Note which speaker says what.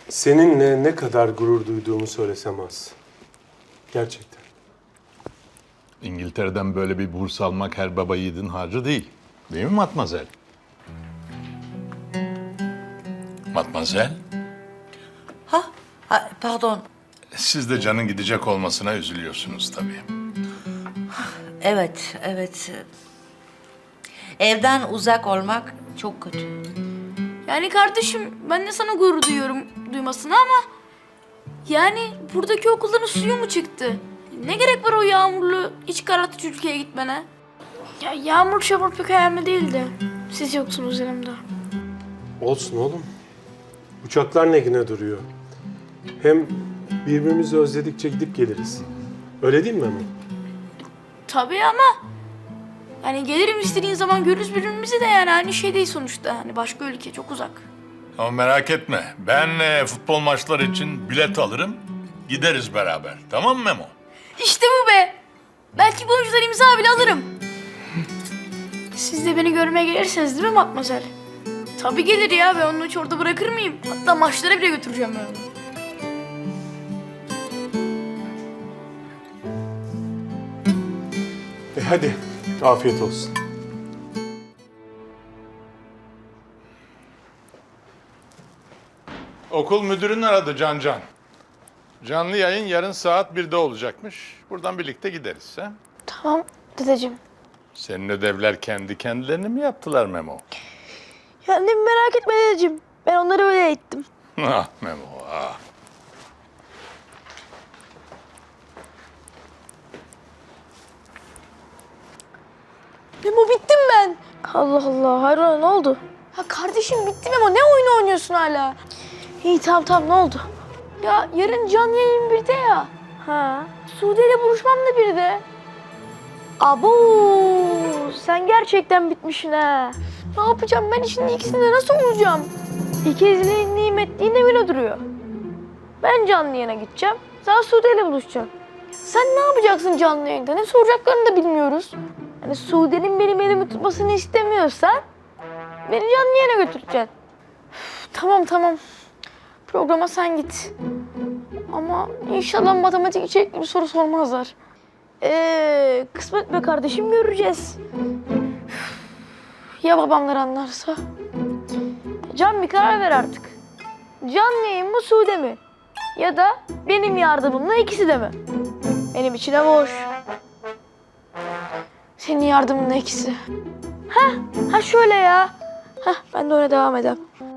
Speaker 1: Seninle ne kadar gurur duyduğumu söylesem az. Gerçekten.
Speaker 2: İngiltere'den böyle bir burs almak her baba yiğidin harcı değil. Değil mi Matmazel? Matmazel,
Speaker 3: Pardon.
Speaker 2: siz de Can'ın gidecek olmasına üzülüyorsunuz tabii.
Speaker 3: Evet, evet. Evden uzak olmak çok kötü.
Speaker 4: Yani kardeşim ben de sana gurur duyuyorum duymasına ama... Yani buradaki okulların suyu mu çıktı? Ne gerek var o yağmurlu, iç karartıcı ülkeye gitmene? Ya yağmur çamur pek önemli değildi. Siz yoksunuz yanımda.
Speaker 1: Olsun oğlum. Uçaklar ne güne duruyor. Hem birbirimizi özledikçe gidip geliriz. Öyle değil mi Memo?
Speaker 4: Tabii ama... Yani gelirim istediğin zaman görürüz birbirimizi de yani aynı şey değil sonuçta. Hani başka ülke çok uzak.
Speaker 2: Ama merak etme, ben futbol maçları için bilet alırım, gideriz beraber. Tamam mı Memo?
Speaker 4: İşte bu be! Belki bu önceden imza bile alırım. Siz de beni görmeye gelirsiniz değil mi Matmazel? Tabii gelir ya, ben onu hiç orada bırakır mıyım? Hatta maçlara bile götüreceğim ben onu.
Speaker 1: Hadi, afiyet olsun.
Speaker 2: Okul müdürünü aradı Can. Canlı yayın yarın saat 1'de olacakmış. Buradan birlikte gideriz. Ha?
Speaker 4: Tamam dedeciğim.
Speaker 2: Senin ödevler kendi kendilerini mi yaptılar Memo?
Speaker 4: Ya annemi merak etme dedeciğim. Ben onları öyle eğittim.
Speaker 2: Ah Memo, ah.
Speaker 4: Memo bittim ben. Allah Allah, hayrola ne oldu? Ya kardeşim bitti Memo, ne oyunu oynuyorsun hala? İyi tamam ne oldu? Ya yarın canlı yayın 1'de ya. Ha. Sude ile buluşmam da 1'de. Abo, sen gerçekten bitmişsin ha. Ne yapacağım ben şimdi ikisinde nasıl olacağım? İkizliğin nimetliğine bile duruyor. Ben canlı yayına gideceğim, sen Sude ile buluşacaksın. Sen ne yapacaksın canlı yayında? Ne soracaklarını da bilmiyoruz. Hani Sude'nin benim elimi tutmasını istemiyorsan beni canlı yayına götüreceksin. Üf, tamam. Programa sen git. Ama inşallah matematik içerikli bir soru sormazlar. Kısmet be kardeşim, göreceğiz. Ya babamlar anlarsa? Can bir karar ver artık. Canlı yayın mı Sude mi? Ya da benim yardımımla ikisi de mi? Benim içine boş. Senin yardımınla ikisi. Ha şöyle ya. Ben de öyle devam edeyim.